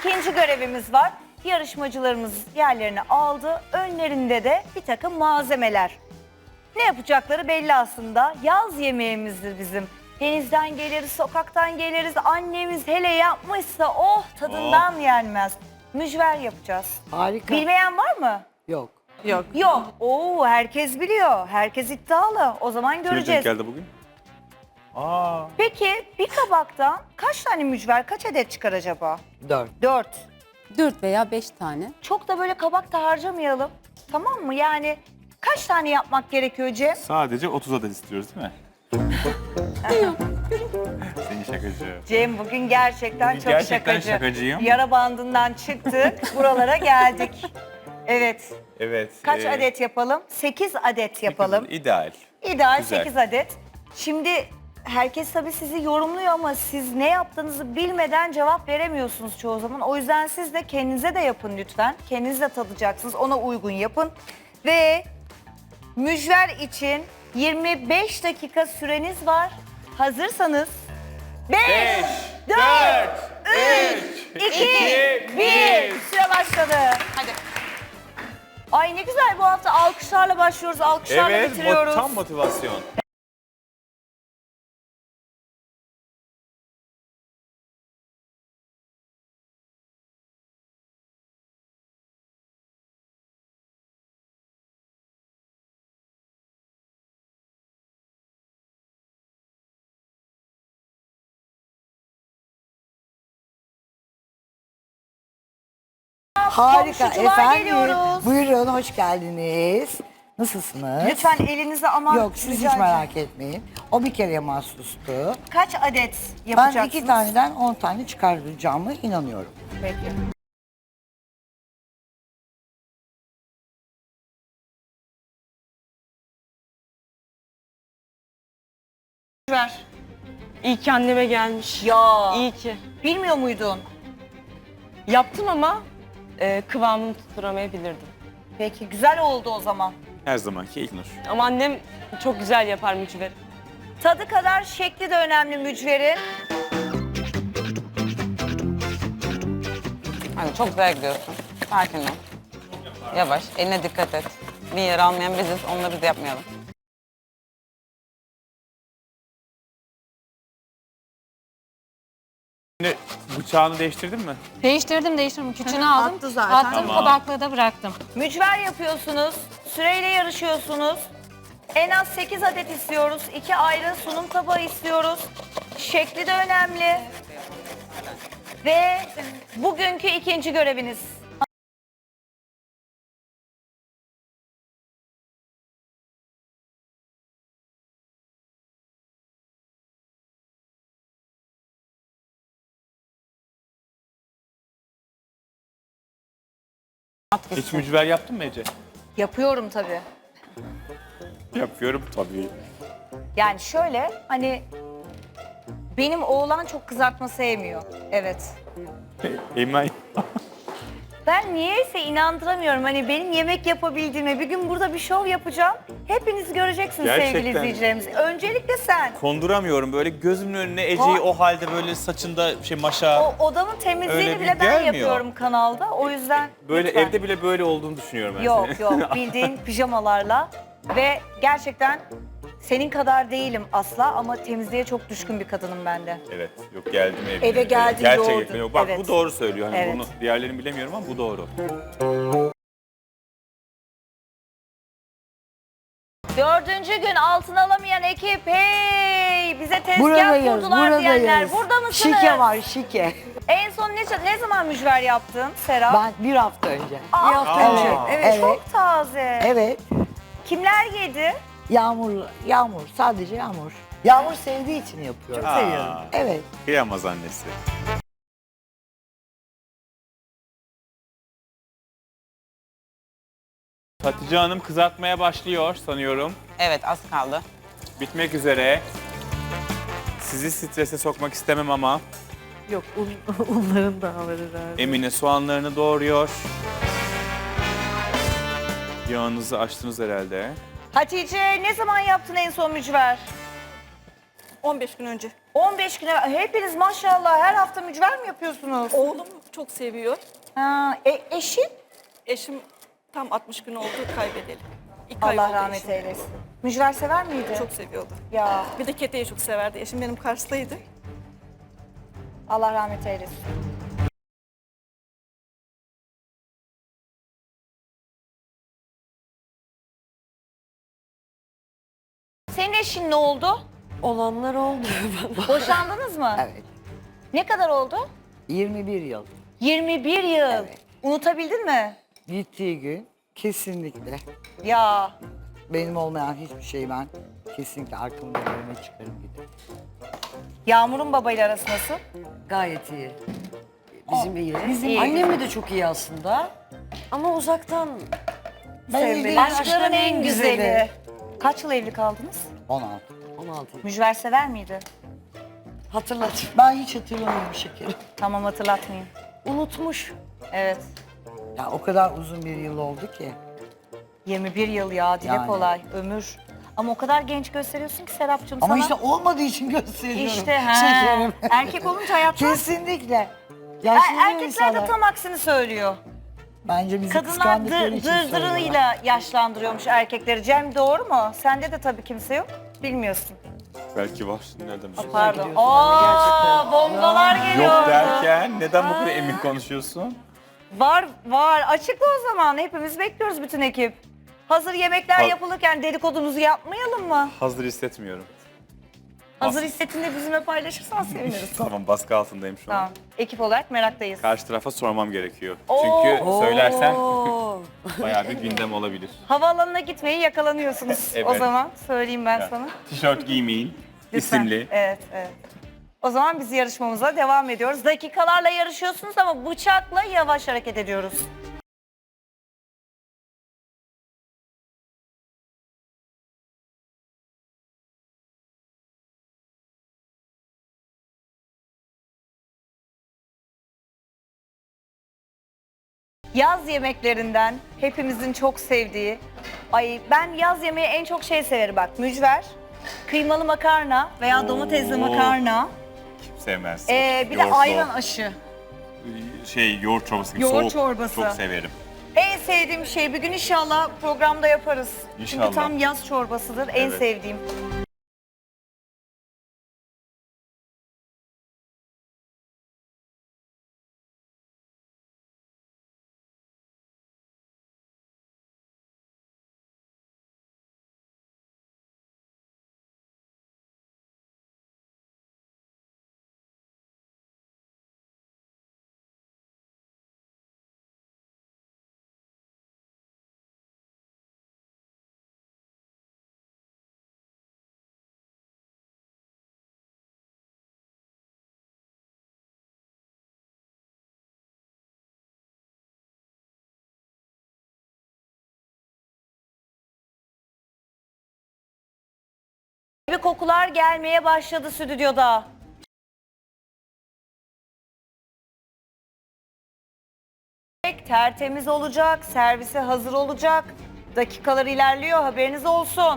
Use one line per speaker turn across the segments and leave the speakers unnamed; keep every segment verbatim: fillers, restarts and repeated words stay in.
İkinci görevimiz var. Yarışmacılarımız yerlerini aldı. Önlerinde de bir takım malzemeler. Ne yapacakları belli aslında. Yaz yemeğimizdir bizim. Denizden geliriz, sokaktan geliriz. Annemiz hele yapmışsa oh tadından yenmez. Mücver yapacağız.
Harika.
Bilmeyen var mı?
Yok.
Yok.
Yok. Oo, herkes biliyor. Herkes iddialı. O zaman
Kime denk
göreceğiz.
geldi bugün? Aa.
Peki bir kabaktan kaç tane mücver, kaç adet çıkar acaba?
Dört.
Dört.
Dört veya beş tane.
Çok da böyle kabak da harcamayalım. Tamam mı? Yani kaç tane yapmak gerekiyor Cem?
Sadece otuz adet istiyoruz değil mi? Seni şakacı.
Cem bugün gerçekten
Bugün
çok
gerçekten
şakacı.
şakacıyım.
Yara bandından çıktık, buralara geldik. Evet.
Evet.
Kaç
e,
adet yapalım? sekiz adet yapalım.
İdeal.
İdeal
Güzel.
sekiz adet. Şimdi herkes tabii sizi yorumluyor ama siz ne yaptığınızı bilmeden cevap veremiyorsunuz çoğu zaman. O yüzden siz de kendinize de yapın lütfen. Kendiniz de tadacaksınız. Ona uygun yapın. Ve mücver için yirmi beş dakika süreniz var. Hazırsanız beş, dört, üç, iki, bir. Süre başladı. Hadi. Ay ne güzel, bu hafta alkışlarla başlıyoruz, alkışlarla
Evet,
bitiriyoruz.
mo- tam motivasyon.
Harika
Komşucular
efendim.
geliyoruz.
Buyurun hoş geldiniz. Nasılsınız?
Lütfen elinize aman
Yok siz
rica
hiç
ederim.
merak etmeyin. O bir kereye mahsustu.
Kaç adet yapacaksınız?
Ben iki taneden on tane çıkaracağımı inanıyorum.
Peki. Ver.
İyi ki anneme gelmiş.
Ya.
İyi ki.
Bilmiyor muydun?
Yaptım ama e, kıvamını tutturamayabilirdim.
Peki güzel oldu o zaman.
Her zamanki İlknur.
Ama annem çok güzel yapar mücveri.
Tadı kadar şekli de önemli mücverin.
Hani çok güzel gidiyorsun. Sakin ol. Yavaş, eline dikkat et. Bir yer almayan biziz, onları biz yapmayalım.
Şimdi bıçağını değiştirdin mi?
Değiştirdim değiştirdim. Küçüğünü aldım.
attı zaten.
Attım
Tamam.
kabaklığı da bıraktım.
Mücver yapıyorsunuz. Süreyle yarışıyorsunuz. En az sekiz adet istiyoruz. İki ayrı sunum tabağı istiyoruz. Şekli de önemli. Ve bugünkü ikinci göreviniz.
Hiç mücver yaptın mı Ece?
Yapıyorum tabii.
Yapıyorum tabii.
Yani şöyle hani benim oğlan çok kızartma sevmiyor. Evet.
Eymen.
Ben niyeyse inandıramıyorum. Hani benim yemek yapabildiğime, bir gün burada bir şov yapacağım. Hepiniz göreceksiniz sevgili
Gerçekten.
izleyicilerimiz. Öncelikle sen.
Konduramıyorum böyle gözümün önüne Ece'yi
Ha.
o halde böyle saçında şey maşa.
O odamın temizliğini
Öyle bir
bile ben
gelmiyor.
yapıyorum kanalda. O yüzden
Böyle
lütfen.
evde bile böyle olduğunu düşünüyorum ben
Yok
seni.
yok, bildiğin pijamalarla. Ve gerçekten senin kadar değilim asla ama temizliğe çok düşkün bir kadınım ben de.
Evet, yok geldim evine.
Eve geldin,
Gerçekten
yoğurdun.
yok. Bak
Evet.
bu doğru söylüyor. Hani
Evet.
bunu diğerlerini bilemiyorum ama bu doğru.
Dördüncü gün altın alamayan ekip hey bize tezgah
Buradayız,
kurdular diyenler.
buradayız.
Burada mısınız?
Şike var şike.
En son ne, ne zaman mücver yaptın Serap?
Ben bir hafta önce.
Aa,
bir hafta
Aa.
önce.
Evet,
Evet.
çok taze.
Evet.
Kimler yedi?
Yağmur, yağmur. Sadece yağmur. Yağmur sevdiği için yapıyorum.
Aa.
Seviyorum. Evet.
Kıyamaz annesi. Hatice Hanım kızartmaya başlıyor sanıyorum.
Evet, az kaldı.
Bitmek üzere. Sizi strese sokmak istemem ama
Yok, un, unların daha var herhalde.
Emine soğanlarını doğruyor. Yağınızı açtınız herhalde.
Hatice ne zaman yaptın en son mücver?
on beş gün önce.
on beş güne hepiniz maşallah her hafta mücver mi yapıyorsunuz?
Oğlum çok seviyor.
Ha, e, eşin?
Eşim tam altmış gün oldu kaybedeli. İki ay
Allah
oldu
rahmet
eşim.
eylesin. Mücver sever miydi?
Çok seviyordu.
Ya
Bir de keteyi çok severdi. Eşim benim Kars'taydı.
Allah rahmet eylesin. Senin eşin ne oldu?
Olanlar oldu.
Boşandınız mı?
Evet.
Ne kadar oldu?
yirmi bir yıl.
yirmi bir yıl.
Evet.
Unutabildin mi?
Gittiği gün kesinlikle
Ya
benim olmayan hiçbir şey ben kesinlikle arkamda önüme çıkarım giderim.
Yağmur'un babayla arası nasıl?
Gayet iyi. Bizim iyi.
Bizim iyi.
Annemle de çok iyi aslında. Ama uzaktan sevmeyi.
Aşkların en güzeli. Kaç yıl evli kaldınız?
on altı.
on altı.
Mücver sever miydi?
Hatırlat.
Ben hiç hatırlamıyorum şekerim.
Tamam hatırlatmayın.
Unutmuş.
Evet.
Ya o kadar uzun bir yıl oldu ki.
yirmi bir yıl ya dile
Yani.
kolay ömür. Ama o kadar genç gösteriyorsun ki Serapcığım
Ama
sana.
işte olmadığı için gösteriyorum.
İşte he.
Şekerim.
Erkek olunca hayatta
Kesinlikle.
Er-
Yaşlanıyor
erkekler de
insanlar.
tam aksini söylüyor.
Bence bizi
Kadınlar
kıskandıkları
dır,
için söylüyorlar.
dırdırıyla yaşlandırıyormuş erkekleri. Cem doğru mu? Sende de tabii kimse yok. Bilmiyorsun.
Belki var. Nereden biliyorsun?
Pardon. Aa, bombalar geliyor.
Yok derken neden bu kadar emin konuşuyorsun?
Var var. Açıkla o zaman. Hepimiz bekliyoruz bütün ekip. Hazır yemekler
Ha-
yapılırken dedikodumuzu yapmayalım mı?
Hazır hissetmiyorum.
Hazır
Bas-
hissettiğinde bizimle paylaşırsan seviniriz.
Tamam, baskı altındayım şu an.
Tamam. Ekip olarak meraktayız.
Karşı tarafa sormam gerekiyor.
Oo.
Çünkü söylersen
Oo.
bayağı bir gündem olabilir.
Havaalanına gitmeyi yakalanıyorsunuz o
Evet.
zaman. Söyleyeyim ben
Yani
sana.
Tişört giymeyin,
Lütfen.
isimli.
Evet, evet. O zaman biz yarışmamıza devam ediyoruz. Dakikalarla yarışıyorsunuz ama bıçakla yavaş hareket ediyoruz. Yaz yemeklerinden hepimizin çok sevdiği, ay ben yaz yemeği en çok şey severim bak, mücver, kıymalı makarna veya domatesli
Oo.
makarna,
Kim sevmez.
ee, bir de
Yoğurtlu.
ayran aşı.
Şey, yoğurt çorbası gibi
Yoğurt
soğuk.
çorbası.
Çok severim.
En sevdiğim şey bir gün inşallah programda yaparız.
İnşallah.
Çünkü tam yaz çorbasıdır en
Evet.
sevdiğim. Bir kokular gelmeye başladı stüdyoda. Tertemiz olacak, servise hazır olacak. Dakikalar ilerliyor, haberiniz olsun.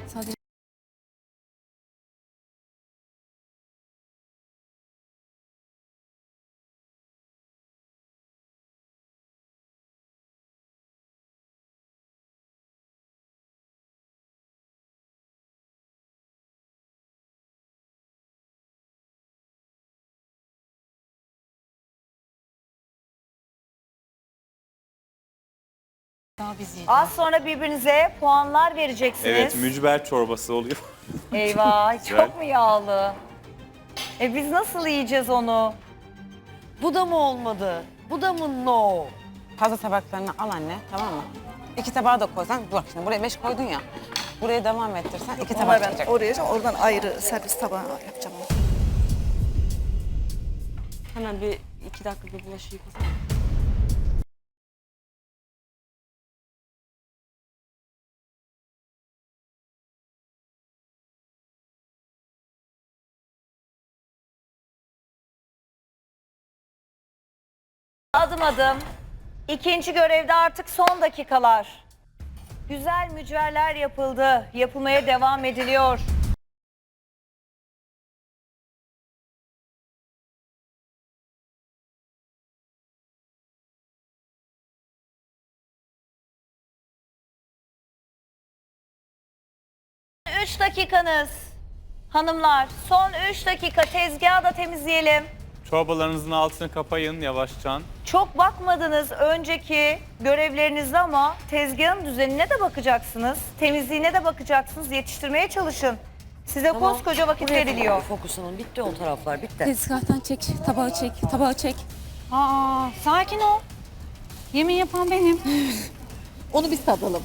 Daha bizi.
Az sonra birbirinize puanlar vereceksiniz.
Evet, mücver çorbası oluyor.
Eyvah,
Güzel.
çok mu yağlı? E biz nasıl yiyeceğiz onu?
Bu da mı olmadı? Bu da mı no?
Fazla tabaklarını al anne, tamam mı? İki tabağı da koysan, bak şimdi buraya beş koydun ya. Buraya devam ettirsen iki tabak
Ama ben
çıkacak.
oraya oradan ayrı servis tabağı yapacağım.
Hemen bir iki dakika bir bulaşık yıkasana.
Adım adım. İkinci görevde artık son dakikalar. Güzel mücverler yapıldı. Yapılmaya devam ediliyor. üç dakikanız. Hanımlar son üç dakika tezgahı da temizleyelim.
Çorbalarınızın altını kapayın yavaşça.
Çok bakmadınız önceki görevlerinizde ama tezgahın düzenine de bakacaksınız. Temizliğine de bakacaksınız. Yetiştirmeye çalışın. Size
Tamam.
koskoca vakit
Buraya
veriliyor.
Fokusunun bitti o taraflar bitti.
Tezgahtan çek, tabağı çek, tabağı çek.
Aa, sakin ol. Yemin yapan benim.
Onu biz tadalım.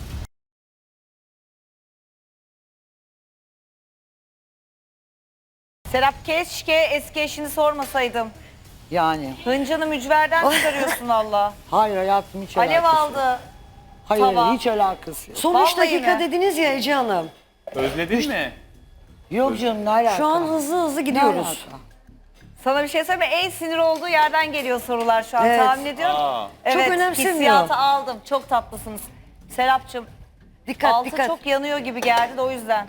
Serap keşke eski eşini sormasaydım.
Yani.
Hıncanı mücverden çıkarıyorsun valla.
Hayır hayatım hiç
Alev
alakası yok.
aldı.
Hayır
Tava.
hiç alakası yok.
Son üç
Vallahi
dakika
mi?
dediniz ya Ece Hanım.
Özledin mi?
Yok canım ne alaka?
Şu an hızlı hızlı
Ne
gidiyoruz.
alaka?
Sana bir şey söyleyeyim mi? En sinir olduğu yerden geliyor sorular şu an.
Evet.
Tahmin ediyorum.
Aa.
Evet,
önemsemiyor.
hissiyatı aldım. Çok tatlısınız. Serapcığım,
Dikkat
altı
dikkat.
çok yanıyor gibi geldi de o yüzden.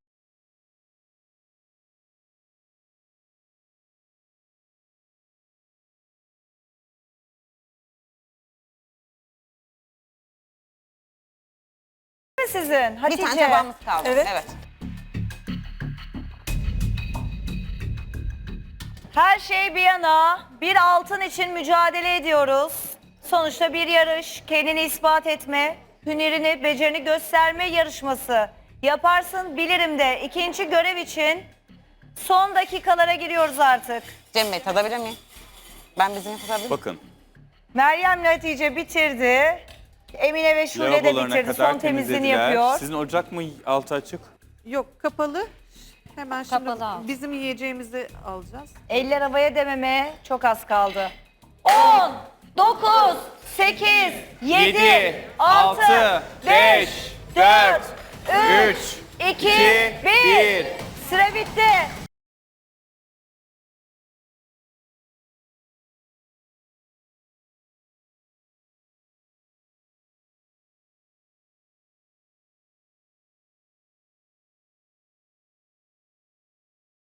Mi sizin?
Bir
Hatice.
tane tabağımız kaldı.
Evet.
evet.
Her şey bir yana bir altın için mücadele ediyoruz. Sonuçta bir yarış, kendini ispat etme, hünerini, becerini gösterme yarışması. Yaparsın bilirim de ikinci görev için son dakikalara giriyoruz artık.
Cem Bey tadabilir miyim? Ben bizim tadabilir miyim?
Bakın.
Meryem Hatice bitirdi. Emine ve Şule de
Lavabolarına
bitirdi.
kadar
Son temizliğini
temizlediler.
yapıyor.
Sizin ocak mı altı açık?
Yok kapalı. Hemen şimdi
Kapalı al.
bizim yiyeceğimizi alacağız.
Eller havaya dememe çok az kaldı. on, dokuz, sekiz, yedi, altı, beş, dört, üç, iki, bir. Süre bitti.